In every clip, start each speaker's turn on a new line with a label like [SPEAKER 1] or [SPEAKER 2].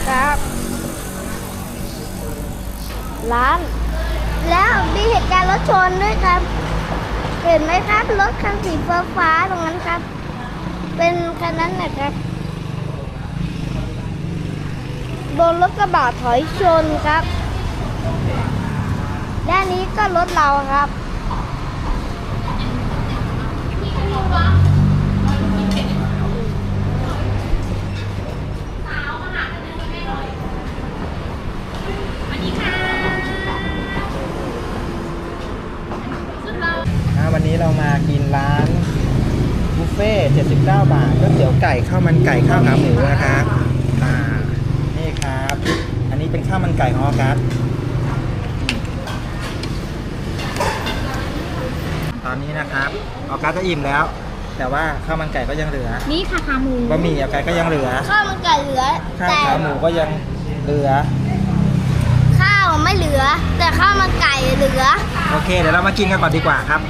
[SPEAKER 1] ครับร้านแล้วมีเหตุการณ์รถชนด้วยครับเห็นไหมครับรถคันสีฟ้าตรงนั้นครับเป็นคันนั้นนะครับโดนรถกระบะถอยชนครับด้านนี้ก็รถเราครับ
[SPEAKER 2] วันนี้เรามากินร้านบุฟเฟ่79 บาทก๋วยเตี๋ยวไก่ข้าวมันไก่ข้าวขาหมูนะครับนี่ครับอันนี้เป็นข้าวมันไก่ของออกัสตอนนี้นะครับออกัสก็อิ่มแล้วแต่ว่าข้าวมันไก่ก็ยังเหลือ
[SPEAKER 3] นี่ค่ะขาหมู
[SPEAKER 2] บะหมี่ออกัสก็ยังเหลือ
[SPEAKER 1] ข้าวมันไก่เหลือ
[SPEAKER 2] ข้าวขาหมูก็ยังเหลือ
[SPEAKER 1] ข้าวไม่เหลือแต่ข้าวมันไก่เหลือ
[SPEAKER 2] โอเคเดี๋ยวเรามากินกันก่อนดีกว่าครับ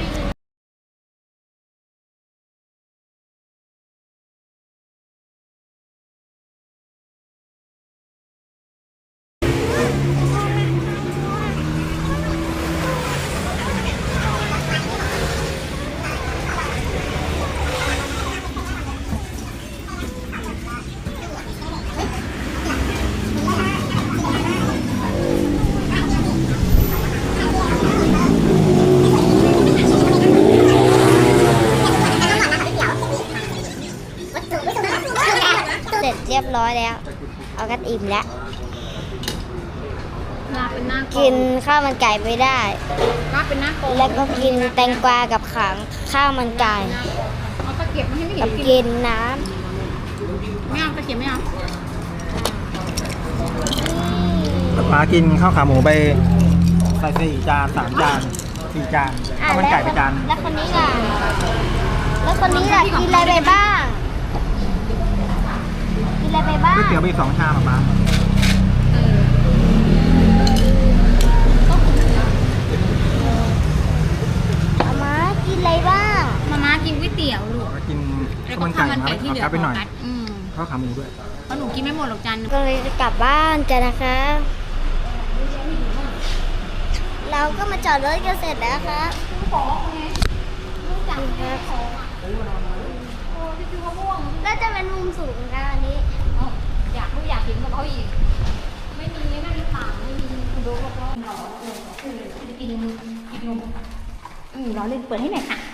[SPEAKER 1] เสร็จเรียบร้อยแล้วเอากันอิ่มแล้วกินข้าวมันไก่ไม่ได้แล้วก็กินแตงกวากับขังข้าวมันไก่กับกินน้ำ
[SPEAKER 3] ไม่เอาตะเกียบไม่เอา
[SPEAKER 2] ป้ากินข้าวขาหมูไปใส่4 จาน 3 จาน 4 จานข้าวมันไก่ไปจาน
[SPEAKER 1] แล้วคนนี้ล่ะกินอะไรไปบ้าง
[SPEAKER 2] ก๋วยเตี๋ยวไป2 ชามป้า
[SPEAKER 1] มากินอะไรบ้าง
[SPEAKER 3] มากินก๋วยเตี๋ยวลูก
[SPEAKER 2] กินข้าวมันไก่
[SPEAKER 3] ที่เหลือ
[SPEAKER 2] ไปหน่อยข้าวขาหมูด้วย
[SPEAKER 3] เพราะหนูกินไม่หมดหรอกจาน
[SPEAKER 1] ก็เลยจะกลับบ้านกันนะคะเราก็มาจอดรถกันเสร็จแล้วครับก็จะเป็นมุมสูงค่ะอันนี้
[SPEAKER 3] อยากกินกับเขาอีกไม่มีนั่งต่างไม่มีดูรอบๆกินนมเราเล่นเปิดให้หน่อยค่ะ